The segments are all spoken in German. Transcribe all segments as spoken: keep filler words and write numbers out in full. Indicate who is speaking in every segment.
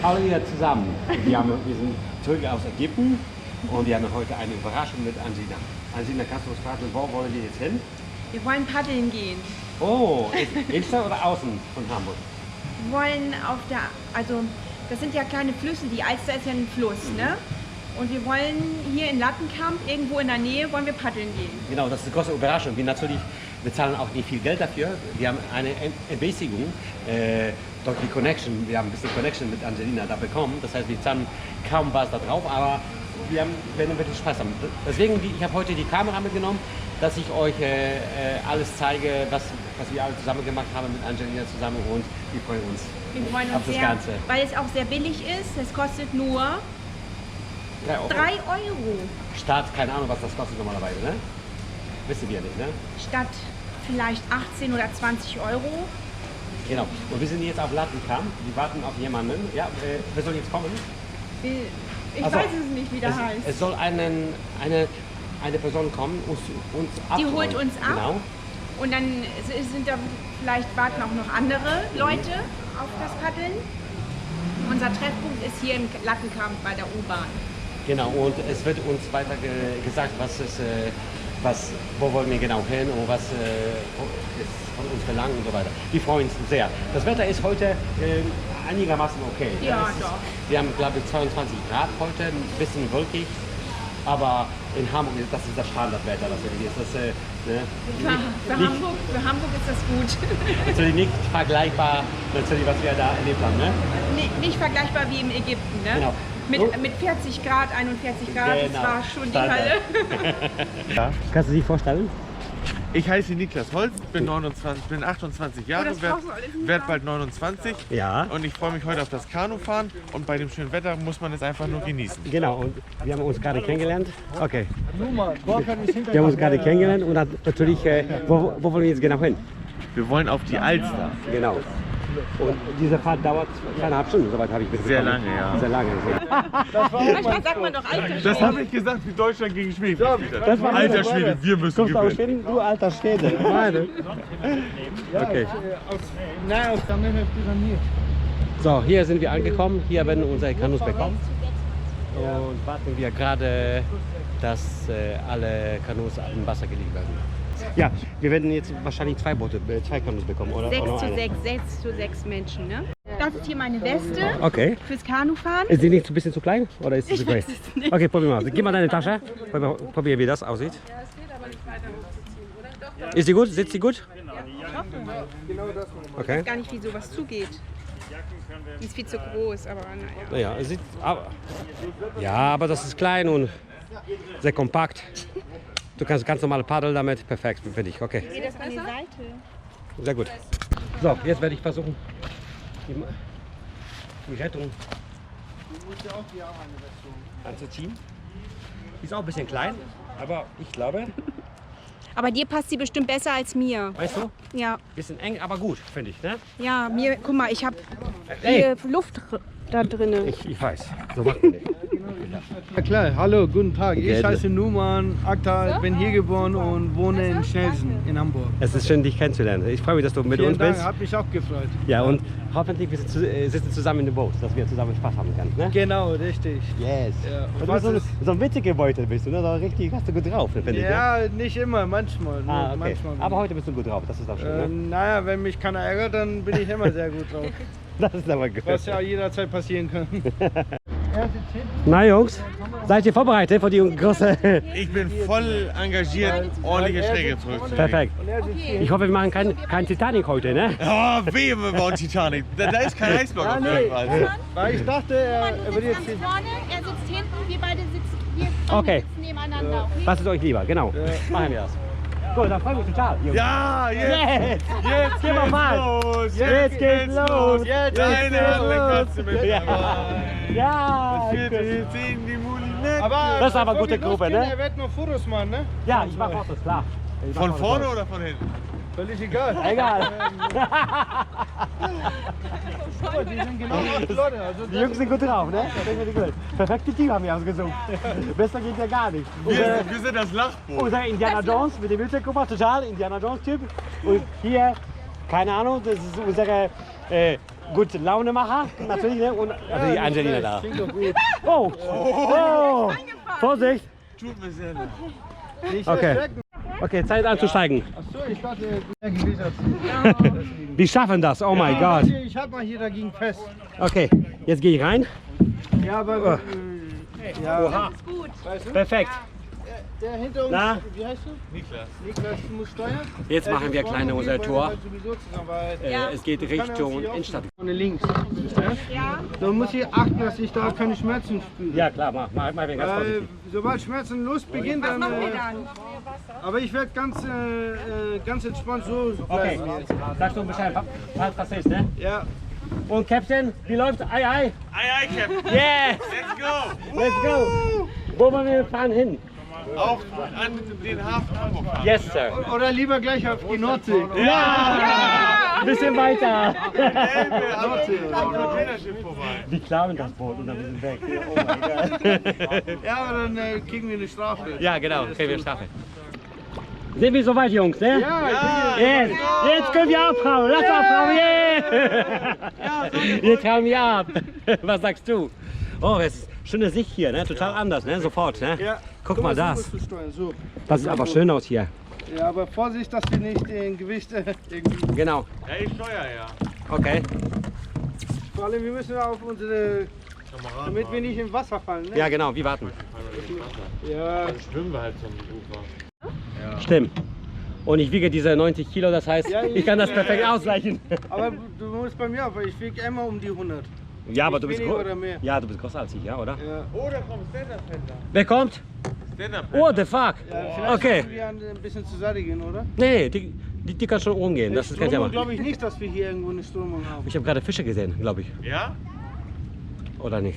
Speaker 1: alle hier zusammen. Wir, haben, wir sind zurück aus Ägypten und wir haben heute eine Überraschung mit Ansina. Ansina, kannst du uns fragen, wo wollen wir jetzt hin?
Speaker 2: Wir wollen paddeln gehen.
Speaker 1: Oh, Innenstadt oder außen von Hamburg?
Speaker 2: Wir wollen auf der, also das sind ja kleine Flüsse, die Alster ist ja ein Fluss, mhm. ne? Und wir wollen hier in Lattenkamp, irgendwo in der Nähe, wollen wir paddeln gehen.
Speaker 1: Genau, das ist eine große Überraschung. Wir natürlich bezahlen auch nicht viel Geld dafür. Wir haben eine Ermäßigung äh, durch die Connection. Wir haben ein bisschen Connection mit Angelina da bekommen. Das heißt, wir zahlen kaum was da drauf, aber wir haben, werden wirklich Spaß haben. Deswegen, ich habe heute die Kamera mitgenommen, dass ich euch äh, alles zeige, was, was wir alle zusammen gemacht haben mit Angelina zusammen und wir freuen uns,
Speaker 2: wir freuen uns
Speaker 1: auf das
Speaker 2: sehr,
Speaker 1: Ganze.
Speaker 2: Weil es auch sehr billig ist. Es kostet nur drei Euro.
Speaker 1: Statt, keine Ahnung, was das kostet normalerweise, ne? Wissen wir nicht, ne?
Speaker 2: Statt vielleicht achtzehn oder zwanzig Euro.
Speaker 1: Genau. Und wir sind jetzt auf Lattenkamp. Wir warten auf jemanden. Ja, äh, wer soll jetzt kommen?
Speaker 2: Ich
Speaker 1: also,
Speaker 2: weiß es nicht, wie der
Speaker 1: es,
Speaker 2: heißt.
Speaker 1: Es soll einen, eine, eine Person kommen, uns, uns
Speaker 2: Die
Speaker 1: abholen.
Speaker 2: holt uns ab.
Speaker 1: Genau.
Speaker 2: Und dann sind da, vielleicht warten auch noch andere Leute auf das Paddeln. Unser Treffpunkt ist hier in Lattenkamp bei der U-Bahn.
Speaker 1: Genau, und es wird uns weiter ge gesagt, was ist, äh, was, wo wollen wir genau hin und was äh, ist von uns verlangt und so weiter. Wir freuen uns sehr. Das Wetter ist heute äh, einigermaßen okay.
Speaker 2: Ja,
Speaker 1: ist,
Speaker 2: doch.
Speaker 1: Wir haben, glaube ich, zweiundzwanzig Grad heute, ein bisschen wolkig. Aber in Hamburg, das ist das Standardwetter, das hier ist. Das, äh, ne,
Speaker 2: für, für,
Speaker 1: nicht,
Speaker 2: Hamburg, für Hamburg ist das gut.
Speaker 1: Natürlich nicht vergleichbar, natürlich, was wir da erlebt haben. Ne?
Speaker 2: Nicht, nicht vergleichbar wie in Ägypten. Ne?
Speaker 1: Genau.
Speaker 2: Mit,
Speaker 1: So.
Speaker 2: mit vierzig Grad, einundvierzig Grad,
Speaker 1: Genau.
Speaker 2: das war schon
Speaker 1: Standard.
Speaker 2: die Hölle.
Speaker 3: Ja.
Speaker 1: Kannst du dich vorstellen?
Speaker 3: Ich heiße Niklas Holz, bin, neunundzwanzig, bin achtundzwanzig Jahre,
Speaker 2: das
Speaker 3: werde
Speaker 2: brauchst du alles nicht
Speaker 3: werd
Speaker 2: sagen.
Speaker 3: bald neunundzwanzig
Speaker 1: Ja.
Speaker 3: und ich freue mich heute auf das Kanufahren und bei dem schönen Wetter muss man es einfach nur genießen.
Speaker 1: Genau, und wir haben uns gerade kennengelernt. Okay. Wir haben uns gerade kennengelernt und dann natürlich, äh, wo, wo wollen wir jetzt genau hin?
Speaker 3: Wir wollen auf die Alster.
Speaker 1: Genau. Und diese Fahrt dauert zweieinhalb Stunden, soweit habe ich mitbekommen.
Speaker 3: Sehr lange, ja.
Speaker 1: Sehr lange.
Speaker 2: Manchmal sagt man doch Alter.
Speaker 3: Das habe ich gesagt, wie Deutschland gegen Schweden gespielt hat.
Speaker 1: Das war
Speaker 3: Alter Schwede, wir müssen
Speaker 1: Kommst du aus
Speaker 3: gewinnen.
Speaker 1: Schweden? Du alter Schwede. Meine. Okay.
Speaker 4: Nein, aus der Pyramide.
Speaker 1: So, hier sind wir angekommen. Hier werden unsere Kanus bekommen. Und warten wir gerade, dass äh, alle Kanus im Wasser gelegt werden. Ja, wir werden jetzt wahrscheinlich zwei Boote, äh, zwei Kanus bekommen, oder?
Speaker 2: Sechs
Speaker 1: oder
Speaker 2: zu
Speaker 1: eine?
Speaker 2: sechs, sechs zu sechs Menschen, ne? Das ist hier meine Weste
Speaker 1: Okay.
Speaker 2: fürs Kanufahren.
Speaker 1: Ist die nicht ein bisschen zu klein? Oder ist sie zu
Speaker 2: Ich
Speaker 1: groß?
Speaker 2: weiß es nicht.
Speaker 1: Okay, probier mal. Gib mal deine Tasche. Probier, probier wie das aussieht.
Speaker 5: Ja, es geht aber nicht weiter hochzuziehen, oder? Doch,
Speaker 1: Ist sie gut? Sitzt sie gut? Okay.
Speaker 2: Ich weiß gar nicht, wie sowas zugeht. Die ist viel zu groß, aber naja.
Speaker 1: Naja, es sieht. Aber, ja, aber das ist klein und sehr kompakt. Du kannst ganz normal paddeln damit. Perfekt, finde ich. Okay.
Speaker 2: Geht das an die Seite?
Speaker 1: Sehr gut. So, jetzt werde ich versuchen, die, die Rettung anzuziehen. Die ist auch ein bisschen klein, aber ich glaube,
Speaker 2: Aber dir passt sie bestimmt besser als mir.
Speaker 1: weißt du,
Speaker 2: Ja,
Speaker 1: bisschen eng, aber gut, finde ich. Ne?
Speaker 2: ja, mir, guck mal, ich habe
Speaker 1: Ey.
Speaker 2: hier Luft da drinnen.
Speaker 1: Ich, ich weiß, so macht man nicht.
Speaker 4: Ja klar, hallo, guten Tag. Ich
Speaker 1: Okay.
Speaker 4: heiße Numan Akta, bin hier geboren und wohne in Schnelsen in Hamburg.
Speaker 1: Es ist schön, dich kennenzulernen. Ich freue mich, dass du mit
Speaker 4: Vielen
Speaker 1: uns
Speaker 4: Dank,
Speaker 1: bist.
Speaker 4: hat mich auch gefreut.
Speaker 1: Ja, und hoffentlich wir sitzen, äh, sitzen zusammen in dem Boot, dass wir zusammen Spaß haben können. Ne?
Speaker 4: Genau, richtig.
Speaker 1: Yes.
Speaker 4: Ja, und
Speaker 1: Und du
Speaker 4: was
Speaker 1: bist so,
Speaker 4: ist-
Speaker 1: so ein witziger Beutel bist du, ne? So richtig, hast du gut drauf, finde ich. Ne?
Speaker 4: Ja, nicht immer, manchmal. nur
Speaker 1: Ah, okay.
Speaker 4: manchmal.
Speaker 1: Aber heute bist du gut drauf, das ist auch schön.
Speaker 4: äh,
Speaker 1: Ne?
Speaker 4: naja, wenn mich keiner ärgert, dann bin ich immer sehr gut drauf.
Speaker 1: Das ist aber gut.
Speaker 4: Was ja jederzeit passieren kann.
Speaker 1: Na Jungs, seid ihr vorbereitet für die große...
Speaker 3: Ich bin voll engagiert, ordentliche Schläge zurückzulegen.
Speaker 1: Perfekt. Ich hoffe, wir machen kein, kein Titanic heute, ne?
Speaker 3: Oh, wehe, wir bauen Titanic. Da, da ist kein Eisblock auf jeden Fall.
Speaker 4: Weil ich dachte, er, er würde jetzt hier...
Speaker 5: vorne, er sitzt hinten, wir beide sitzen, wir
Speaker 1: Okay.
Speaker 5: sitzen nebeneinander. Okay?
Speaker 1: Was ist euch lieber? Genau. Machen wir das. Gut, dann freue ich mich total. Jungs.
Speaker 3: Ja, jetzt!
Speaker 1: Jetzt!
Speaker 3: Jetzt
Speaker 1: Gehen wir
Speaker 3: geht's
Speaker 1: mal.
Speaker 3: los!
Speaker 1: Jetzt geht's los!
Speaker 3: Jetzt Deine Hand kannst du mit
Speaker 1: Ja.
Speaker 3: dabei.
Speaker 1: Ja!
Speaker 3: Vierte, zehn, die Mulinette.
Speaker 4: Aber
Speaker 1: Das ist aber eine
Speaker 4: bevor
Speaker 1: gute
Speaker 4: wir
Speaker 1: Gruppe,
Speaker 4: losgehen,
Speaker 1: ne?
Speaker 4: Er wird nur Fotos machen, ne?
Speaker 1: Ja, ich mache Fotos, klar. Ich mach
Speaker 3: Von
Speaker 1: Fotos.
Speaker 3: vorne oder von hinten?
Speaker 4: Völlig egal.
Speaker 1: Egal.
Speaker 4: Aber die sind genau acht Leute. Also
Speaker 1: Die Jungs sind gut drauf, ne? Das ist wirklich gut. Perfekte Team haben wir ausgesucht. Besser geht ja gar nicht.
Speaker 3: Wir,
Speaker 1: Unser,
Speaker 3: wir sind das Lachboot.
Speaker 1: unser Indiana Jones mit dem Wildschirmkupfer, total Indiana Jones Typ. Und hier, keine Ahnung, das ist unsere äh, gute Launemacher, natürlich, ne? Und also die Angelina da. Oh, oh, Vorsicht.
Speaker 3: Tut mir sehr leid.
Speaker 4: Nicht
Speaker 1: Okay.
Speaker 4: erschrecken.
Speaker 1: Okay, Zeit anzusteigen.
Speaker 4: Achso, ich dachte, der Gewitter.
Speaker 1: Wir schaffen das, oh mein Gott.
Speaker 4: Ich hab mal hier dagegen fest.
Speaker 1: Okay, jetzt gehe ich rein.
Speaker 4: Ja, aber. Äh, ja.
Speaker 1: Perfekt.
Speaker 4: Der hinter uns,
Speaker 1: Na?
Speaker 4: wie heißt du? Niklas. Niklas muss steuern.
Speaker 1: Jetzt
Speaker 4: Äh,
Speaker 1: machen wir
Speaker 4: vorne
Speaker 1: kleine
Speaker 4: geht,
Speaker 1: unser
Speaker 4: weil wir
Speaker 1: Tor.
Speaker 4: halt sowieso zusammenarbeiten.
Speaker 1: Äh, es geht
Speaker 4: Kann er uns
Speaker 1: Richtung
Speaker 4: hier
Speaker 1: Innenstadt.
Speaker 4: Vorne links.
Speaker 2: Ja.
Speaker 4: So muss ich achten, dass ich da keine Schmerzen spüre.
Speaker 1: Ja klar, mach, mach, mach wir ganz
Speaker 4: Äh,
Speaker 1: vorsichtig.
Speaker 4: sobald Schmerzen los beginnt, dann.
Speaker 2: Machen wir
Speaker 4: Äh,
Speaker 2: dann.
Speaker 4: aber ich werde ganz, äh, äh, ganz entspannt so
Speaker 1: Okay,
Speaker 4: bleiben jetzt.
Speaker 1: sagst du Bescheid, was das ist, ne?
Speaker 4: Ja.
Speaker 1: Und Captain, wie läuft's? Ei, ei.
Speaker 3: Ei, ei, Captain.
Speaker 1: Yeah,
Speaker 3: Let's go.
Speaker 1: let's go. Wo wollen wir fahren hin?
Speaker 3: Auf an den Hafen Hamburg fahren.
Speaker 1: Yes, Sir.
Speaker 4: Oder lieber gleich auf die Nordsee.
Speaker 1: Ja! Ein bisschen weiter.
Speaker 3: Elbe, am am Containerschiff vorbei.
Speaker 1: Wir klauen das Boot und dann sind wir weg. Oh mein Gott.
Speaker 4: Ja, aber dann äh, kriegen wir eine Strafe.
Speaker 1: Ja, genau, kriegen wir Strafe. Sind wir soweit, Jungs, ne?
Speaker 4: Ja,
Speaker 1: Yes. Jetzt können wir abhauen. Lass abhauen, yeah! Wir trauen wir ab. Was sagst du? Oh, es ist schöne Sicht hier, ne? Total anders, ne? Sofort, ne?
Speaker 4: ja.
Speaker 1: Guck
Speaker 4: So
Speaker 1: mal
Speaker 4: was
Speaker 1: das.
Speaker 4: musst du steuern, So.
Speaker 1: Das sieht aber schön aus hier.
Speaker 4: Ja, aber Vorsicht, dass wir nicht den Gewicht äh, irgendwie.
Speaker 1: Genau.
Speaker 3: Ja, ich steuere ja.
Speaker 1: Okay.
Speaker 4: Vor allem, wir müssen auf unsere. Damit wir nicht im Wasser fallen. Ne?
Speaker 1: Ja, genau, wir warten.
Speaker 4: Ja.
Speaker 3: Dann schwimmen wir halt zum Ufer.
Speaker 1: Stimmt. Und ich wiege diese neunzig Kilo, das heißt,
Speaker 4: Ja,
Speaker 1: ich kann das perfekt ausgleichen.
Speaker 4: Aber du musst bei mir auf, weil ich wiege immer um die hundert.
Speaker 1: Ja, aber
Speaker 4: Nicht
Speaker 1: du bist
Speaker 4: weniger
Speaker 1: groß.
Speaker 4: oder mehr.
Speaker 1: Ja, du bist größer als ich, ja, oder?
Speaker 4: Ja.
Speaker 3: Oh, da kommt Stand-Up-Paddler.
Speaker 1: Wer kommt?
Speaker 3: Stand-Up-Paddler.
Speaker 1: Oh, the fuck.
Speaker 4: Ja, vielleicht
Speaker 1: Okay.
Speaker 4: müssen wir ein bisschen zur Seite gehen, oder?
Speaker 1: Nee, die, die, die kann schon rumgehen. Das ist kein Thema.
Speaker 4: glaube ich nicht, dass wir hier irgendwo eine Strömung haben.
Speaker 1: Ich habe gerade Fische gesehen, glaube ich.
Speaker 3: Ja?
Speaker 1: Oder nicht?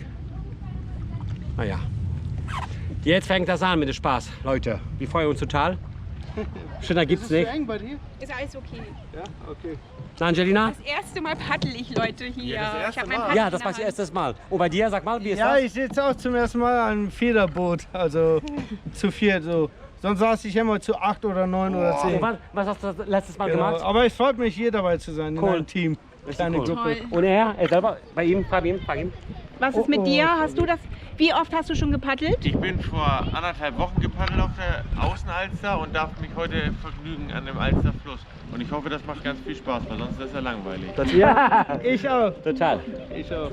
Speaker 1: Naja. Jetzt fängt das an mit dem Spaß, Leute. Wir freuen uns total. Schöner gibt's
Speaker 4: Ist es
Speaker 1: nicht.
Speaker 4: zu eng bei dir?
Speaker 5: Ist alles okay.
Speaker 4: Ja, okay.
Speaker 1: Na, Angelina?
Speaker 5: Das erste Mal paddel ich, Leute, hier.
Speaker 3: Ja, das erste
Speaker 5: ich hab mein
Speaker 3: Mal.
Speaker 5: Paddel
Speaker 1: Ja,
Speaker 5: in
Speaker 1: das
Speaker 5: der
Speaker 1: war das
Speaker 5: Hand.
Speaker 1: erste Mal. Und bei dir, sag mal, wie ist
Speaker 4: Ja,
Speaker 1: das?
Speaker 4: ich sitze auch zum ersten Mal an einem Federboot, also zu viert so. Sonst saß ich immer zu acht oder neun oder zehn.
Speaker 1: Und wann, was hast du das letztes Mal
Speaker 4: Genau.
Speaker 1: gemacht?
Speaker 4: Aber es freut mich, hier dabei zu sein,
Speaker 1: Cool.
Speaker 4: in einem Team. Kleine
Speaker 1: cool.
Speaker 4: Gruppe.
Speaker 5: Toll.
Speaker 1: Und er, er selber, bei ihm, frag ihn, frag ihn.
Speaker 2: Was ist mit dir? Hast du das? Wie oft hast du schon gepaddelt?
Speaker 3: Ich bin vor anderthalb Wochen gepaddelt auf der Außenalster und darf mich heute vergnügen an dem Alsterfluss. Und ich hoffe, das macht ganz viel Spaß, weil sonst ist das ja langweilig.
Speaker 4: Ja, ich auch.
Speaker 1: Total.
Speaker 4: Ich auch.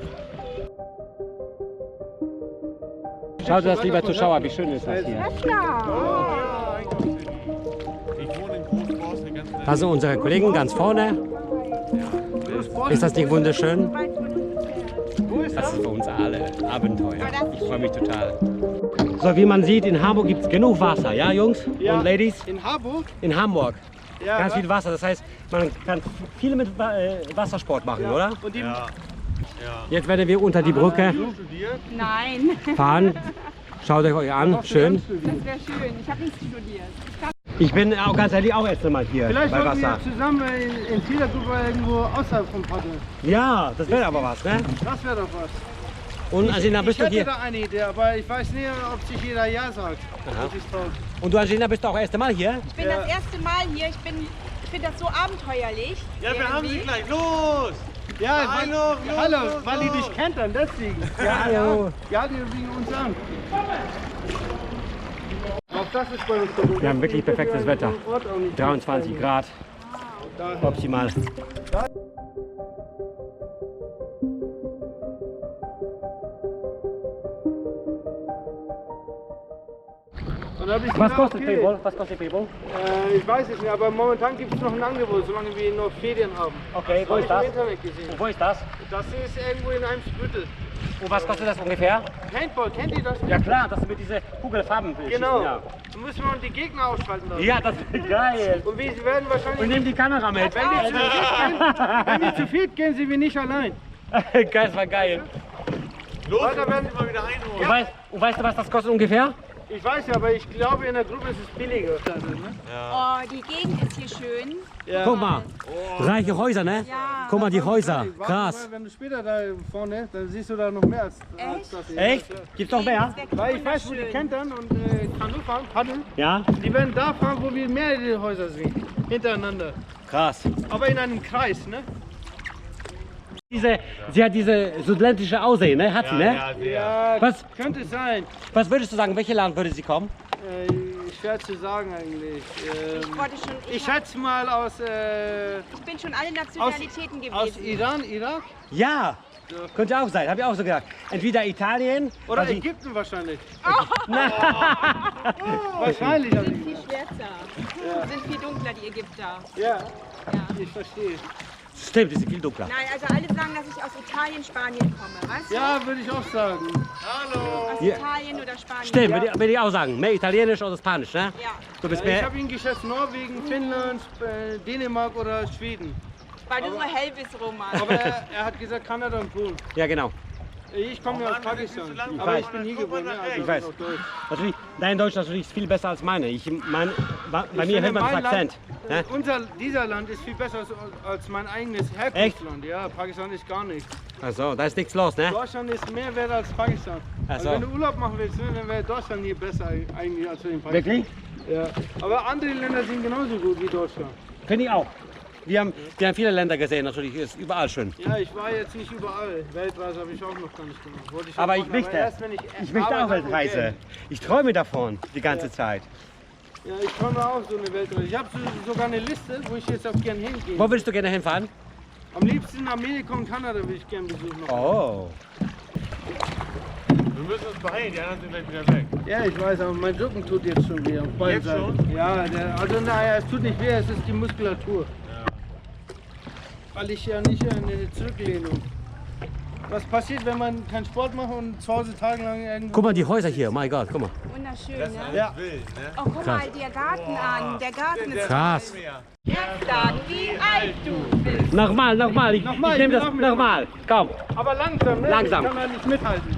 Speaker 1: Schaut das, lieber Zuschauer, wie schön ist das hier.
Speaker 2: Ja.
Speaker 3: Ich wohne in Großborst eine ganze
Speaker 1: Das sind unsere Kollegen ganz vorne. Ist das nicht wunderschön? Das ist für uns alle Abenteuer. Ich freue mich total. So, wie man sieht, in Hamburg gibt es genug Wasser, ja, Jungs
Speaker 4: Ja.
Speaker 1: und Ladies?
Speaker 4: In Harburg?
Speaker 1: In Hamburg.
Speaker 4: Ja,
Speaker 1: Ganz
Speaker 4: wa-
Speaker 1: viel Wasser. Das heißt, man kann viel mit Wa- äh, Wassersport machen, oder?
Speaker 4: Und die,
Speaker 3: Ja.
Speaker 1: Jetzt werden wir unter die Brücke
Speaker 3: Studiert?
Speaker 2: Nein,
Speaker 1: fahren. Schaut euch euch an, schön.
Speaker 2: das wäre schön. Ich habe nichts studiert.
Speaker 1: Ich bin auch ganz ehrlich auch erst einmal hier
Speaker 4: vielleicht
Speaker 1: bei
Speaker 4: sollten
Speaker 1: Wasser.
Speaker 4: wir zusammen in, in Federgruppe irgendwo außerhalb vom Paddeln.
Speaker 1: Ja, das wäre aber was, ne?
Speaker 4: Das wäre doch was.
Speaker 1: Und Angelina,
Speaker 4: Ich
Speaker 1: bist du
Speaker 4: hätte
Speaker 1: hier?
Speaker 4: da eine Idee, aber ich weiß nicht, ob sich jeder Ja sagt.
Speaker 1: Aha.
Speaker 4: Das ist toll.
Speaker 1: Und du, Angelina, bist du auch erst einmal hier?
Speaker 2: Ich bin das erste Mal hier. Ich bin, ich finde das so abenteuerlich.
Speaker 3: Ja, wir haben sie
Speaker 2: irgendwie.
Speaker 3: gleich. Los!
Speaker 4: Ja,
Speaker 3: Hallo,
Speaker 4: weil,
Speaker 3: los,
Speaker 4: hallo,
Speaker 3: los,
Speaker 4: weil die
Speaker 3: los.
Speaker 4: dich kennt dann, deswegen. Ja,
Speaker 1: Hallo.
Speaker 4: ja, die liegen uns an. Auch das ist bei uns so.
Speaker 1: Wir haben wirklich perfektes Wetter. dreiundzwanzig Grad, optimal.
Speaker 4: Und da hab ich
Speaker 1: Was
Speaker 4: gedacht,
Speaker 1: kostet
Speaker 4: okay,
Speaker 1: Payball? Was kostet Payball?
Speaker 4: Äh, ich weiß es nicht, aber momentan gibt es noch ein Angebot, solange wir noch Ferien haben.
Speaker 1: Okay, wo
Speaker 4: Habe
Speaker 1: ist
Speaker 4: ich
Speaker 1: das?
Speaker 4: im Internet gesehen.
Speaker 1: Und wo ist das?
Speaker 4: Das ist irgendwo in einem Büttel.
Speaker 1: Und was kostet das ungefähr?
Speaker 4: Paintball, kennt ihr das?
Speaker 1: Ja klar, das mit diese Kugelfarben.
Speaker 4: Genau.
Speaker 1: Ja,
Speaker 4: Da müssen wir die Gegner ausschalten lassen.
Speaker 1: ja das ist geil.
Speaker 4: Und wir werden wahrscheinlich,
Speaker 1: Und nimm die Kamera mit.
Speaker 4: wenn wir, zu viert gehen, wenn wir zu viert gehen, sind wir nicht allein.
Speaker 1: Geil, das war geil.
Speaker 3: Los,
Speaker 4: Weiter
Speaker 3: wir
Speaker 4: werden-
Speaker 3: müssen sie mal wieder einholen.
Speaker 1: Und weißt, und weißt du, was das kostet ungefähr?
Speaker 4: Ich weiß ja, aber ich glaube in der Gruppe ist es billiger.
Speaker 5: Oh, die Gegend ist hier schön.
Speaker 4: Ja.
Speaker 1: Guck mal, reiche Häuser, ne?
Speaker 5: Ja.
Speaker 1: Guck mal die Häuser,
Speaker 4: Warte
Speaker 1: krass.
Speaker 4: mal, wenn du später da vorne, dann siehst du da noch mehr als, als das hier.
Speaker 1: Echt? Gibt's noch mehr?
Speaker 4: Weil ich weiß, wo die kentern und äh, Kanu fahren, paddeln.
Speaker 1: Ja?
Speaker 4: Die werden da fahren, wo wir mehrere Häuser sehen. Hintereinander.
Speaker 1: Krass.
Speaker 4: Aber in einem Kreis, ne?
Speaker 1: Diese, sie hat diese südländische Aussehen, ne? Hat sie, ne?
Speaker 3: Ja, sehr.
Speaker 4: Ja,
Speaker 1: Was?
Speaker 4: könnte sein.
Speaker 1: Was würdest du sagen, welche Land würde sie kommen?
Speaker 4: Äh, schwer zu sagen eigentlich.
Speaker 5: Ich
Speaker 4: Ähm,
Speaker 5: wollte schon. Ich,
Speaker 4: ich schätze mal aus, äh,
Speaker 5: ich bin schon alle
Speaker 4: aus,
Speaker 5: Nationalitäten
Speaker 4: aus
Speaker 5: gewesen.
Speaker 4: Iran, Irak
Speaker 1: Ja, könnte auch sein, habe ich auch so gedacht. Entweder Italien
Speaker 4: oder
Speaker 1: also-
Speaker 4: Ägypten wahrscheinlich.
Speaker 1: Na,
Speaker 4: Wahrscheinlich.
Speaker 5: Die
Speaker 4: Also,
Speaker 5: sind viel schwärzer. Die sind viel dunkler, die Ägypter.
Speaker 4: ja,
Speaker 5: Ja.
Speaker 4: ich verstehe.
Speaker 1: Stimmt, die sind viel dunkler.
Speaker 5: Nein, also alle sagen, dass ich aus Italien, Spanien komme, weißt du?
Speaker 4: Ja, würde ich auch sagen.
Speaker 5: Aus
Speaker 1: Ja.
Speaker 5: Italien oder Spanien.
Speaker 1: Stimmt, würde ich, würde ich auch sagen. Mehr Italienisch oder Spanisch, ne?
Speaker 5: Ja,
Speaker 1: Du bist
Speaker 4: Ja, ich
Speaker 1: mehr.
Speaker 4: habe ihn geschätzt Norwegen, Finnland, äh, Dänemark oder Schweden.
Speaker 5: weil du so hell bist, Roman.
Speaker 4: Aber er, er hat gesagt Kanada und Polen.
Speaker 1: Ja, genau.
Speaker 4: Ich komme ja aus
Speaker 3: Mann, das ist
Speaker 4: Pakistan,
Speaker 3: so lang.
Speaker 4: aber
Speaker 1: weiß.
Speaker 4: ich bin hier
Speaker 3: Guck mal
Speaker 4: geboren.
Speaker 3: nach
Speaker 4: Ne? Also
Speaker 1: Ich weiß.
Speaker 4: auch Deutsch.
Speaker 1: Natürlich, dein Deutsch natürlich ist viel besser als meine. Ich mein, bei bei mir
Speaker 4: Ich
Speaker 1: hört man das
Speaker 4: finde, mein
Speaker 1: Akzent.
Speaker 4: Land,
Speaker 1: Ne?
Speaker 4: äh, unser, dieser Land ist viel besser als, als mein eigenes Herkunftsland. Ja, Pakistan ist gar nichts.
Speaker 1: Also, da ist nichts los, ne?
Speaker 4: Deutschland ist mehr wert als Pakistan.
Speaker 1: Ach
Speaker 4: Also
Speaker 1: so.
Speaker 4: wenn du Urlaub machen willst, ne, dann wäre Deutschland hier besser eigentlich als in Pakistan.
Speaker 1: Wirklich?
Speaker 4: Ja. Aber andere Länder sind genauso gut wie Deutschland.
Speaker 1: Finde ich auch. Wir haben, wir haben viele Länder gesehen, natürlich ist überall schön.
Speaker 4: Ja, ich war jetzt nicht überall. Weltreise habe ich auch noch gar nicht gemacht. Wollte ich auch
Speaker 1: Aber ich
Speaker 4: machen,
Speaker 1: möchte.
Speaker 4: erst, wenn ich
Speaker 1: Ich möchte auch
Speaker 4: Arbeit habe und
Speaker 1: Weltreise.
Speaker 4: Geld.
Speaker 1: Ich träume davon die ganze
Speaker 4: Ja.
Speaker 1: Zeit.
Speaker 4: Ja, ich träume auch so eine Weltreise. Ich habe so, sogar eine Liste, wo ich jetzt auch gern hingehe.
Speaker 1: Wo würdest du gerne hinfahren?
Speaker 4: Am liebsten Amerika und Kanada würde ich gern besuchen. noch.
Speaker 1: Oh.
Speaker 3: Wir müssen uns beeilen, die anderen sind gleich wieder weg.
Speaker 4: Ja, ich weiß, aber mein Rücken tut jetzt schon weh. Auf beiden
Speaker 3: Jetzt
Speaker 4: Seiten. Ja, der, also naja, es tut nicht weh, es ist die Muskulatur. Weil ich ja nicht eine Zurücklehnung. Was passiert, wenn man keinen Sport macht und zu Hause tagelang irgendwo...
Speaker 1: Guck mal die Häuser hier, mein Gott, guck mal.
Speaker 5: Wunderschön,
Speaker 3: Das ist
Speaker 5: ne?
Speaker 3: alles
Speaker 4: Ja.
Speaker 3: wild, ne?
Speaker 5: Oh, guck
Speaker 1: Krass.
Speaker 5: mal, der Garten an. Der Garten ist
Speaker 1: Krass.
Speaker 5: Jetzt sagen, wie alt du bist.
Speaker 1: Nochmal, nochmal. Ich,
Speaker 4: Nochmal,
Speaker 1: ich nehme
Speaker 4: ich
Speaker 1: das
Speaker 4: will auch mit.
Speaker 1: nochmal. Komm.
Speaker 4: Aber langsam, ne?
Speaker 1: Langsam.
Speaker 4: Ich kann da nicht mithalten.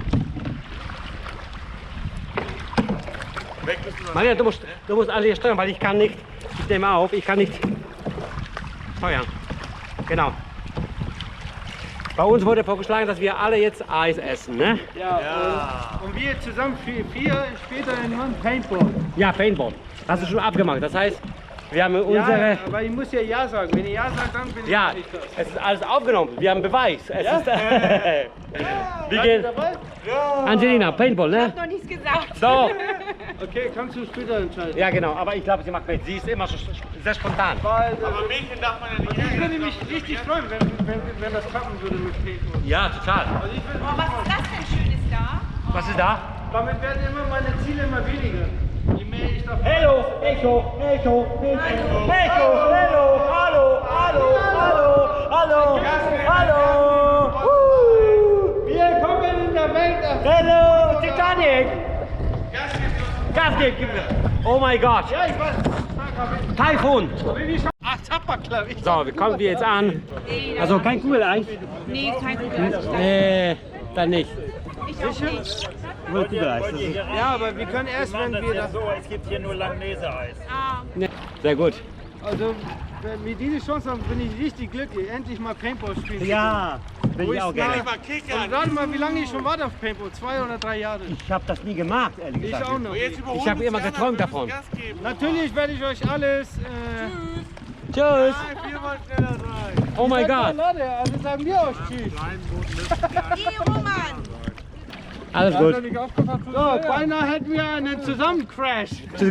Speaker 3: Weg müssen wir.
Speaker 1: Maria, du musst, du musst alle hier steuern, weil ich kann nicht. Ich nehme auf, ich kann nicht steuern. Genau. Bei uns wurde vorgeschlagen, dass wir alle jetzt Eis essen, ne?
Speaker 4: Ja,
Speaker 3: Ja.
Speaker 4: Und, und wir zusammen vier, vier später in Mann Paintball.
Speaker 1: Ja, Paintball. Hast du schon abgemacht. Das heißt, wir haben unsere.
Speaker 4: Ja, aber ich muss ja Ja sagen. Wenn ihr Ja sagt, dann bin ich
Speaker 1: Ja,
Speaker 4: nicht das.
Speaker 1: es ist alles aufgenommen. Wir haben Beweis. Es
Speaker 4: Ja?
Speaker 1: ist, wir
Speaker 4: Seid
Speaker 1: gehen.
Speaker 4: ihr dabei?
Speaker 1: Angelina, Paintball,
Speaker 5: Ich
Speaker 1: ne?
Speaker 5: hab noch nichts gesagt.
Speaker 1: So.
Speaker 4: Okay, kannst du später entscheiden.
Speaker 1: Ja, genau. Aber ich glaube, sie macht mit. Sie ist immer so sehr spontan.
Speaker 4: Weil, äh,
Speaker 3: Aber Mädchen darf man ja nicht
Speaker 4: ich
Speaker 3: ärgern.
Speaker 4: würde mich richtig freuen, wenn, wenn, wenn das klappen würde mit Paintball.
Speaker 1: Ja, total.
Speaker 4: Also ich würde
Speaker 5: Oh, was ist das denn Schönes da?
Speaker 1: Was ist da?
Speaker 4: Damit werden immer meine Ziele immer weniger. Je mehr ich davon...
Speaker 1: Hello, Echo, Echo, Echo, Echo, hello, hallo, hallo, hallo, hallo, hallo. Woo.
Speaker 4: Wir kommen in der Welt auf...
Speaker 1: Hello, Titanic. Gas geben, gib mir. Oh mein Gott.
Speaker 4: Ja, ich weiß.
Speaker 1: Taifun.
Speaker 4: Ach, Tapperklapp.
Speaker 1: So, wie kommen wir jetzt an?
Speaker 5: Nee,
Speaker 1: Also kein Kugeleis?
Speaker 5: nee, kein Problem.
Speaker 1: Nee, dann nicht.
Speaker 5: Ich auch nicht.
Speaker 1: Nur Kugeleis. Das ist,
Speaker 4: Ja, aber wir können erst, wenn wir das...
Speaker 6: So, es gibt hier nur Langnese-Eis.
Speaker 5: Ah,
Speaker 1: nee. Sehr gut.
Speaker 4: Also, wenn wir diese Chance haben, bin ich richtig glücklich, endlich mal Paintball spielen zu
Speaker 1: Ja, bin ich auch
Speaker 4: ist
Speaker 1: gerne.
Speaker 4: nach-
Speaker 3: Mal kickern.
Speaker 4: Und rate mal, wie lange ich schon warte auf Paintball? Zwei oder drei Jahre?
Speaker 1: Ich habe das nie gemacht, ehrlich
Speaker 4: Ich
Speaker 1: gesagt.
Speaker 4: auch noch.
Speaker 3: Und jetzt überholen
Speaker 1: Ich hab
Speaker 3: uns
Speaker 1: immer
Speaker 3: die
Speaker 1: geträumt
Speaker 3: anderen, wir
Speaker 1: davon.
Speaker 3: müssen Gas geben.
Speaker 4: Natürlich werde ich euch alles... Äh,
Speaker 1: Tschüss.
Speaker 3: Nein, wir wollen schneller sein.
Speaker 1: Oh mein
Speaker 4: ja,
Speaker 1: Gott.
Speaker 4: Leute, also sagen wir euch Tschüss.
Speaker 5: hey, Roman.
Speaker 1: Alles gut.
Speaker 4: So, beinahe hätten wir einen Zusammencrash.
Speaker 1: Tschüss.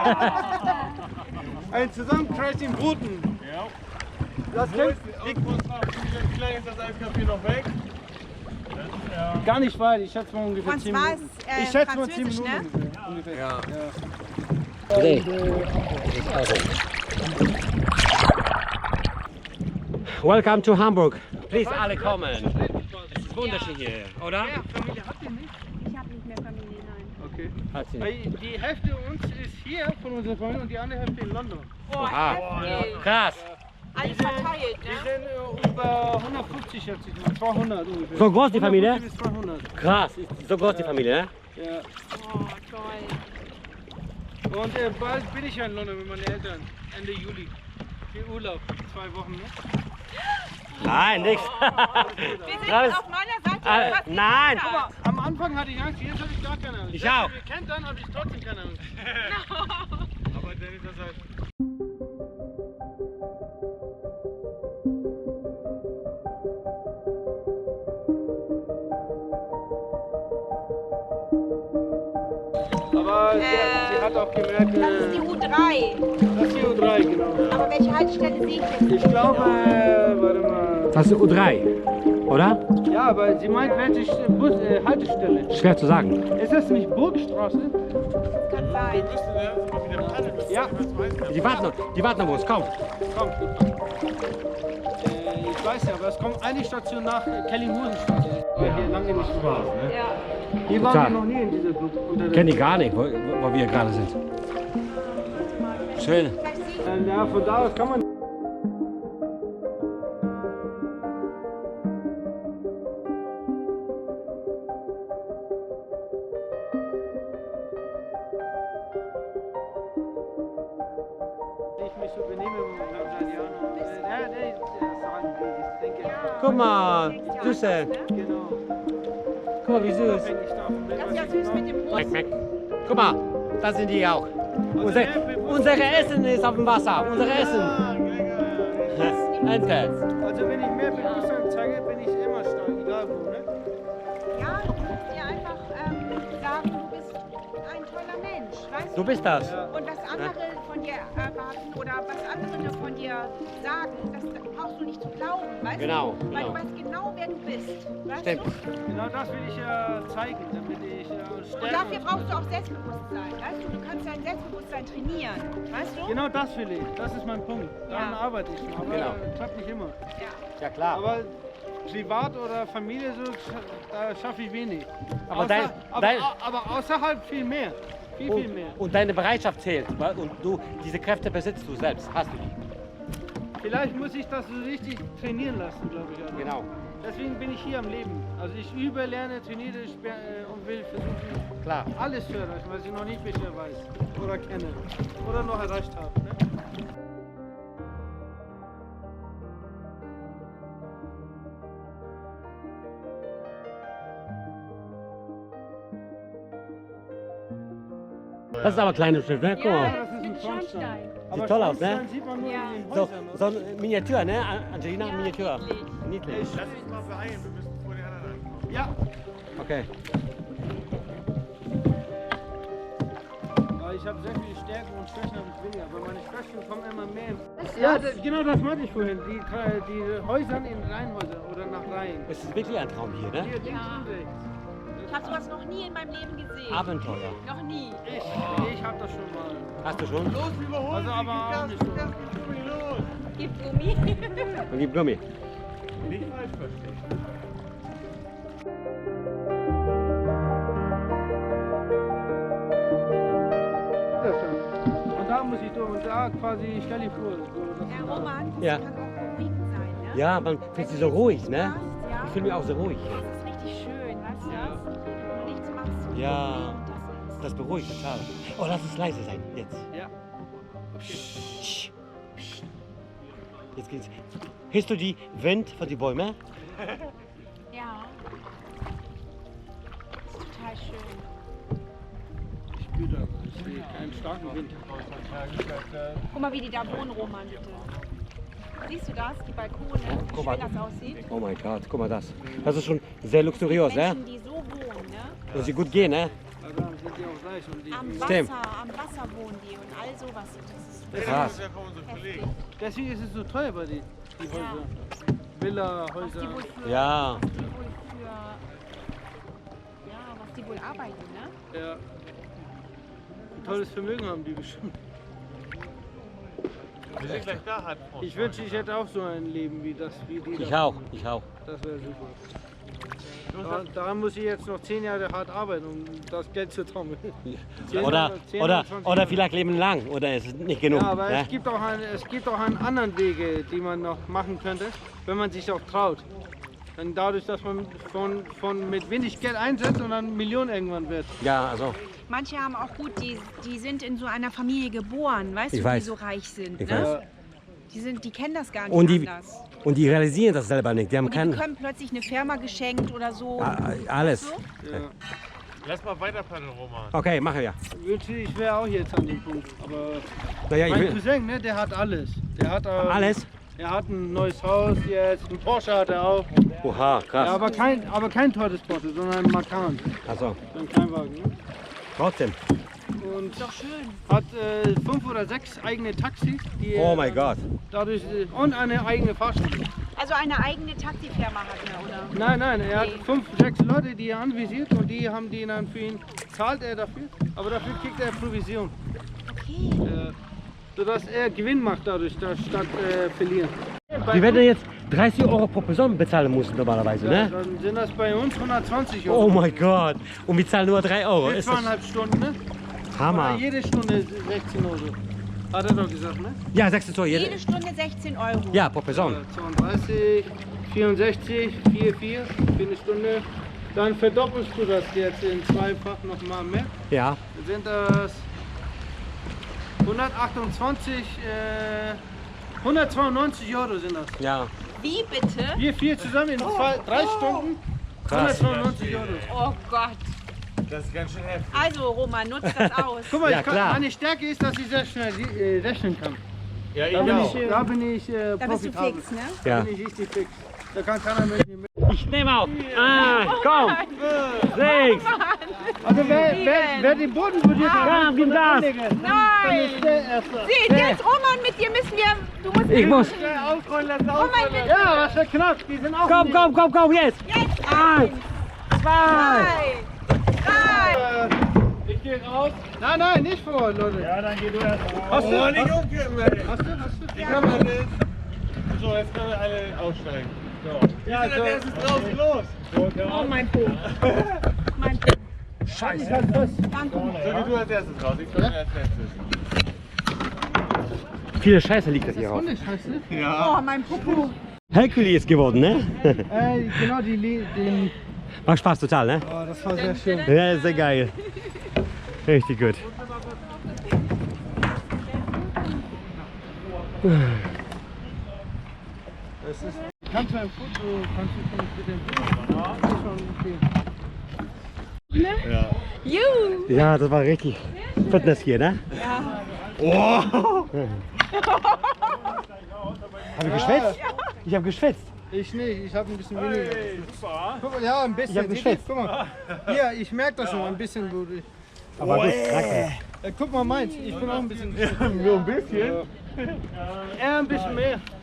Speaker 4: Einen Zusammencrash in Bruten. Das
Speaker 3: Wo
Speaker 4: klingt
Speaker 3: ist, wo ist noch, wie lange ist das Eiskaffee noch weg?
Speaker 4: gar nicht weit. Ich schätze mal ungefähr
Speaker 5: Und
Speaker 4: zehn
Speaker 5: zwar
Speaker 4: Minuten.
Speaker 5: ist, äh,
Speaker 4: Ich schätze mal zehn
Speaker 5: Französisch,
Speaker 4: Minuten
Speaker 5: ne?
Speaker 4: ungefähr. ungefähr.
Speaker 3: Ja.
Speaker 1: Okay. Welcome to Hamburg. Please alle kommen. Es ist wunderschön hier, oder?
Speaker 4: Ja, Familie habt ihr nicht?
Speaker 5: Ich habe nicht mehr Familie, nein.
Speaker 4: Okay.
Speaker 1: Hat sie.
Speaker 4: Weil die Hälfte uns ist hier von unserer Familie und die andere Hälfte in London.
Speaker 5: Oh,
Speaker 1: Aha.
Speaker 5: heftig.
Speaker 1: Krass.
Speaker 5: Alles verteilt,
Speaker 4: Wir
Speaker 5: ne?
Speaker 4: sind äh, über hundertfünfzig, schätze ich mal. zweihundert ungefähr.
Speaker 1: So groß die Familie?
Speaker 4: hundertfünfzig bis zweihundert.
Speaker 1: Krass, ist so groß die Familie, ne?
Speaker 4: Ja.
Speaker 5: Oh, toll.
Speaker 4: Und äh, bald bin ich ja in London mit meinen Eltern. Ende Juli. Für Urlaub. Zwei Wochen, ne?
Speaker 1: Nein, nix.
Speaker 5: Wir sind
Speaker 1: Alles-
Speaker 5: auf meiner Seite.
Speaker 1: Äh,
Speaker 5: fast nicht
Speaker 1: nein.
Speaker 5: anders.
Speaker 4: Aber am Anfang hatte ich Angst, jetzt habe ich gar keine Angst.
Speaker 1: Ich
Speaker 4: Wenn ihr
Speaker 1: auch.
Speaker 4: mich kennt, dann habe ich trotzdem keine Angst.
Speaker 3: Aber dann ist das halt
Speaker 4: Aber sie,
Speaker 2: Äh,
Speaker 4: sie hat auch gemerkt,
Speaker 2: Das ist die
Speaker 4: äh,
Speaker 2: U drei.
Speaker 4: das ist die U drei, genau.
Speaker 2: Aber welche Haltestelle sehe ich jetzt?
Speaker 4: Ich glaube, äh, warte mal.
Speaker 1: Das ist U drei, oder?
Speaker 4: Ja, aber sie meint, welche St- Bus, äh, Haltestelle.
Speaker 1: Schwer zu sagen.
Speaker 4: Ist das nicht Burgstraße?
Speaker 2: Kann
Speaker 3: Wir
Speaker 2: sein.
Speaker 3: müssen erst mal wieder paddeln. Wir
Speaker 4: Ja.
Speaker 3: müssen was weiter.
Speaker 1: Die warten noch, die warten noch, wo es kommt.
Speaker 4: Komm. Äh, ich weiß ja, aber es kommt eine Station nach äh, Kellinghusenstraße. Ja. Hier lange nicht Spaß, ne?
Speaker 2: Ja.
Speaker 4: Hier waren
Speaker 1: Total.
Speaker 4: wir noch nie in dieser Gruppe. Unter der-
Speaker 1: Kenne ich gar nicht, wo, wo wir gerade sind. Schön.
Speaker 4: Äh, Ja, von da aus kann man. Ich mich so benehme mit meinem Brasilianer. Äh, Der, der, der sagen will, ich denke,
Speaker 1: Guck mal, Süße.
Speaker 4: genau.
Speaker 1: Guck mal, wie süß.
Speaker 4: Unabhängig davon, wenn
Speaker 2: Das ist
Speaker 4: was
Speaker 2: ja
Speaker 4: ich
Speaker 2: süß
Speaker 4: mache.
Speaker 2: mit dem Brust.
Speaker 1: Meck, meck. Guck mal, da sind die auch. Unser, unser Essen ist auf dem Wasser. Unser Essen. Ente.
Speaker 4: Also wenn ich mehr Bewusstsein zeige, bin ich immer stark, egal wo, ne?
Speaker 2: Ja, du musst dir einfach ähm, sagen, du bist ein toller Mensch, weißt
Speaker 1: Du bist das.
Speaker 4: Ja.
Speaker 2: Und was andere von dir erwarten oder was andere von dir sagen, das brauchst du nicht zu glauben, weißt
Speaker 1: Genau,
Speaker 2: du? Weil
Speaker 1: genau.
Speaker 2: du weißt genau, wer du bist, weißt
Speaker 1: Stimmt.
Speaker 2: du?
Speaker 4: Genau das will ich ja zeigen, damit ich äh,
Speaker 2: Und
Speaker 4: stärker...
Speaker 2: dafür brauchst du auch Selbstbewusstsein, weißt du? Du kannst dein Selbstbewusstsein trainieren, weißt du?
Speaker 4: Genau das will ich, das ist mein Punkt. Daran
Speaker 2: Ja.
Speaker 4: arbeite ich, aber
Speaker 1: Genau.
Speaker 4: äh, klappt nicht immer.
Speaker 2: Ja.
Speaker 1: Ja klar.
Speaker 4: Aber privat oder Familie, so, da schaffe ich wenig.
Speaker 1: Aber
Speaker 4: Außer,
Speaker 1: dein-
Speaker 4: aber,
Speaker 1: dein-
Speaker 4: aber außerhalb viel mehr. Viel, viel mehr.
Speaker 1: Und, und deine Bereitschaft zählt. weil- Und du, diese Kräfte besitzt du selbst. Hast du die.
Speaker 4: Vielleicht muss ich das so richtig trainieren lassen, glaube ich. Also.
Speaker 1: Genau.
Speaker 4: Deswegen bin ich hier am Leben. Also ich übe, lerne, trainiere ich, äh, und will versuchen,
Speaker 1: Klar.
Speaker 4: alles zu erreichen, was ich noch nicht bisher weiß oder kenne oder noch erreicht habe. Ne?
Speaker 1: Das ist aber ein kleines Schiff, ne? Guck mal.
Speaker 4: Das ist ein Schornstein.
Speaker 1: Sieht toll aus, ne?
Speaker 4: Schornstein sieht man nur
Speaker 2: Ja.
Speaker 4: in den
Speaker 1: So,
Speaker 4: Häusern.
Speaker 1: so eine Miniatur, ne? Angelina,
Speaker 2: Ja,
Speaker 1: Miniatur.
Speaker 2: niedlich.
Speaker 1: Niedlich.
Speaker 3: Lass uns mal beeilen, wir müssen vor den anderen ankommen.
Speaker 4: Ja,
Speaker 1: Okay.
Speaker 4: aber ich habe sehr viele Stärken und Schwächen habe ich weniger, aber meine Schwächen kommen immer mehr. Ja, das, genau das meinte ich vorhin. Die, die Häuser in Reihenhäuser oder nach Reihen.
Speaker 1: Es ist wirklich ein Traum hier, ne?
Speaker 4: Hier links
Speaker 2: Ja.
Speaker 4: und rechts.
Speaker 2: Ich habe sowas noch nie in meinem Leben gesehen.
Speaker 1: Abenteuer.
Speaker 2: Noch nie.
Speaker 4: Ich, ich habe das schon mal.
Speaker 1: Hast du schon?
Speaker 3: Los, überholen
Speaker 4: Also
Speaker 3: Sie,
Speaker 4: aber
Speaker 3: gib
Speaker 4: auch
Speaker 3: Gas,
Speaker 4: nicht
Speaker 3: gib
Speaker 4: so.
Speaker 3: Gas, gib Gummi, los.
Speaker 2: Gib Gummi.
Speaker 1: Und gib Gummi.
Speaker 3: Nicht falsch verstehen.
Speaker 4: Das schon. Und da muss ich durch. Und da quasi, stell dir vor. So, das
Speaker 2: Herr Roman, das
Speaker 1: Ja.
Speaker 2: kann auch beruhigend sein, ne?
Speaker 1: Ja, man fühlt sich so ruhig, ne?
Speaker 2: Ja.
Speaker 1: Ich fühle mich auch so ruhig.
Speaker 2: Das ist richtig schön, weißt du das? Wenn du nichts machst. und
Speaker 1: Ja.
Speaker 2: ruhig und das ist.
Speaker 1: Das beruhigt total. Oh, lass es leise sein. Jetzt.
Speaker 4: Ja.
Speaker 1: Psst. Psst. Jetzt geht's. Hörst du die Wind von den Bäumen?
Speaker 2: Ja. Das ist total schön.
Speaker 4: Ich spüre das. Ich sehe keinen starken Wind.
Speaker 2: Guck mal, wie die da wohnen, Roman, bitte. Siehst du das? Die Balkone, wie
Speaker 1: Guck mal.
Speaker 2: schön das aussieht?
Speaker 1: Oh mein Gott, guck mal das. Das ist schon sehr luxuriös, ne?
Speaker 2: Menschen, die so wohnen, ne?
Speaker 1: Muss sie gut gehen, ne?
Speaker 4: Also dann sind die auch reich. Und die,
Speaker 2: Am
Speaker 1: Stimmt.
Speaker 2: Wasser, am Wasser wohnen die und all sowas. Das ist
Speaker 1: Krass.
Speaker 3: Das ist ja von unseren
Speaker 2: heftig.
Speaker 3: Kollegen.
Speaker 4: deswegen ist es so teuer bei die, die Häuser. Villa,
Speaker 2: Was die
Speaker 4: Häuser.
Speaker 2: wohl für,
Speaker 1: Ja.
Speaker 2: was die wohl für, ja, was die wohl arbeiten, ne?
Speaker 4: Ja. Ein tolles Vermögen haben die bestimmt.
Speaker 3: Wir sind gleich da, hat
Speaker 4: Ich wünschte, ich hätte auch so ein Leben wie das, wie die.
Speaker 1: Ich
Speaker 4: da.
Speaker 1: auch, ich auch.
Speaker 4: Das wäre super. Da, daran muss ich jetzt noch zehn Jahre hart arbeiten, um das Geld zu trommeln. Zehn,
Speaker 1: Oder,
Speaker 4: zehn,
Speaker 1: oder,
Speaker 4: zwanzig
Speaker 1: oder
Speaker 4: Jahre.
Speaker 1: vielleicht leben lang, oder ist es nicht genug?
Speaker 4: Ja, aber
Speaker 1: ne?
Speaker 4: es gibt, auch ein, es gibt auch einen anderen Wege, die man noch machen könnte, wenn man sich auch traut. Dann dadurch, dass man von, von mit wenig Geld einsetzt und dann Millionen irgendwann wird.
Speaker 1: Ja, also,
Speaker 2: Manche haben auch gut, die, die sind in so einer Familie geboren, weißt
Speaker 1: Ich
Speaker 2: du,
Speaker 1: weiß.
Speaker 2: die so reich sind.
Speaker 1: Ich
Speaker 2: ne?
Speaker 1: weiß.
Speaker 2: Die, sind, die kennen das gar nicht
Speaker 1: Und die,
Speaker 2: anders.
Speaker 1: und die realisieren das selber nicht. Die haben
Speaker 2: Und die
Speaker 1: keinen.
Speaker 2: bekommen plötzlich eine Firma geschenkt oder so.
Speaker 1: Ah, Alles.
Speaker 2: So?
Speaker 4: Ja.
Speaker 3: Lass mal weiter paddeln, Roman.
Speaker 1: Okay, machen wir.
Speaker 4: Ich wünschte, ich wäre auch jetzt an dem Punkt. Aber
Speaker 1: Naja, ich
Speaker 4: mein
Speaker 1: will.
Speaker 4: Cousin, ne, der hat alles. Der hat ähm,
Speaker 1: Alles?
Speaker 4: Er hat ein neues Haus jetzt, ein Porsche hat er auch.
Speaker 1: Oha,
Speaker 4: Ja,
Speaker 1: krass.
Speaker 4: aber kein, aber kein teures Porsche, sondern ein Macan.
Speaker 1: Also,
Speaker 4: So ein Kleinwagen. Ne?
Speaker 1: trotzdem.
Speaker 4: und
Speaker 2: Ist doch schön.
Speaker 4: hat äh, fünf oder sechs eigene Taxis. Die
Speaker 1: Oh
Speaker 4: er
Speaker 1: mein
Speaker 4: dann
Speaker 1: Gott.
Speaker 4: Dadurch, äh, und eine eigene Fahrschule.
Speaker 2: Also eine eigene Taxifirma hat er, oder?
Speaker 4: Nein, nein, er hat
Speaker 2: Nee.
Speaker 4: fünf, sechs Leute, die er anvisiert und die haben die dann für ihn, zahlt er dafür, aber dafür kriegt er Provision.
Speaker 2: Okay.
Speaker 4: Äh, sodass er Gewinn macht dadurch, da- statt äh, verlieren.
Speaker 1: Die werden jetzt dreißig Euro pro Person bezahlen müssen normalerweise,
Speaker 4: Ja,
Speaker 1: ne?
Speaker 4: dann sind das bei uns hundertzwanzig Euro.
Speaker 1: Oh mein Gott. Und wir zahlen nur drei Euro.
Speaker 4: Für
Speaker 1: Ist das
Speaker 4: zweieinhalb Stunden, ne?
Speaker 1: Hammer.
Speaker 4: Oder jede Stunde sechzehn Euro. Hat er doch gesagt, ne?
Speaker 1: Ja, sechzehn Euro.
Speaker 2: Jede
Speaker 1: Jede,
Speaker 2: Stunde sechzehn Euro.
Speaker 1: ja, pro Person.
Speaker 4: Äh, zweiunddreißig, vierundsechzig, vier, vier für eine Stunde. Dann verdoppelst du das jetzt in zweifach nochmal mehr.
Speaker 1: Ja.
Speaker 4: Dann sind das hundertachtundzwanzig, äh, hundertzweiundneunzig Euro sind das.
Speaker 1: Ja.
Speaker 2: Wie bitte?
Speaker 4: Wir vier zusammen in zwei, drei Stunden, hundertzweiundneunzig Euro.
Speaker 2: Oh Gott.
Speaker 3: Das ist ganz schön heftig.
Speaker 2: Also Roman, nutzt das aus.
Speaker 4: Guck mal,
Speaker 1: Ja,
Speaker 4: ich kann,
Speaker 1: klar.
Speaker 4: meine Stärke ist, dass ich sehr schnell äh, rechnen kann.
Speaker 3: Ja, ich
Speaker 4: Da bin
Speaker 3: auch.
Speaker 4: ich, da bin ich äh,
Speaker 2: Da bist du
Speaker 4: profitabel.
Speaker 2: fix, ne?
Speaker 4: Da
Speaker 1: Ja.
Speaker 4: bin ich richtig fix. Da kann keiner mehr mit mir.
Speaker 1: Ich nehme auf. Ah, komm. Sechs.
Speaker 4: Also wer, wer, wer den Boden berührt hat,
Speaker 1: Ja, gib Gas.
Speaker 4: dann
Speaker 2: Nein!
Speaker 4: ist der Erste.
Speaker 2: Sieh, jetzt Roman, mit dir müssen wir... Du musst
Speaker 1: Ich muss.
Speaker 4: Aufrollen lassen,
Speaker 2: Roman,
Speaker 4: aufrollen
Speaker 2: bitte.
Speaker 4: Ja, was für knapp, die sind auch
Speaker 1: Komm, komm, komm, komm, jetzt.
Speaker 2: Jetzt
Speaker 1: Eins, zwei.
Speaker 2: drei, drei.
Speaker 4: Ich gehe raus. Nein, nein, nicht vor, Leute.
Speaker 6: Ja, dann geh du erst mal.
Speaker 4: Hast du?
Speaker 3: Oh, nicht
Speaker 4: Hast,
Speaker 3: umkippen, ey.
Speaker 4: hast du? Hast du?
Speaker 3: Ich hab alles. So, jetzt können wir alle aussteigen. So.
Speaker 4: Ja,
Speaker 3: Wir sind als
Speaker 4: also,
Speaker 3: erstes draußen los.
Speaker 2: Oh, mein Po. Mein Po.
Speaker 4: Scheiße. Ich halt fest.
Speaker 2: Danke.
Speaker 3: So, geh du als erstes raus. Ich komme als letztes.
Speaker 1: Viele Scheiße liegt das hier raus.
Speaker 4: Hundescheiße.
Speaker 2: Oh, mein Popo.
Speaker 1: Herkules geworden, ne?
Speaker 4: Äh, genau, die, Li- den.
Speaker 1: Macht Spaß total, ne?
Speaker 4: Oh, das war sehr schön.
Speaker 1: Ja, sehr geil. Richtig gut.
Speaker 4: Das ist. Kannst du ein Foto, kannst du schon mit dem Bild machen? Das ist schon okay.
Speaker 3: Ja.
Speaker 2: Juhu.
Speaker 1: Ja, das war richtig Fitness hier, ne?
Speaker 2: Ja.
Speaker 3: Oh!
Speaker 1: Hab ich geschwitzt? Ich hab geschwitzt.
Speaker 4: Ich nicht, ich habe ein bisschen weniger.
Speaker 3: Super.
Speaker 4: Guck mal, ja, ein bisschen.
Speaker 1: Ich hab
Speaker 4: Seht
Speaker 1: geschwitzt.
Speaker 4: ihr? Guck mal. Hier, ich merke das schon ein bisschen gut. Ich,
Speaker 1: Aber gut, danke.
Speaker 4: äh, guck mal meins, ich bin auch ein bisschen.
Speaker 3: Nur ein bisschen.
Speaker 4: Er ein bisschen mehr.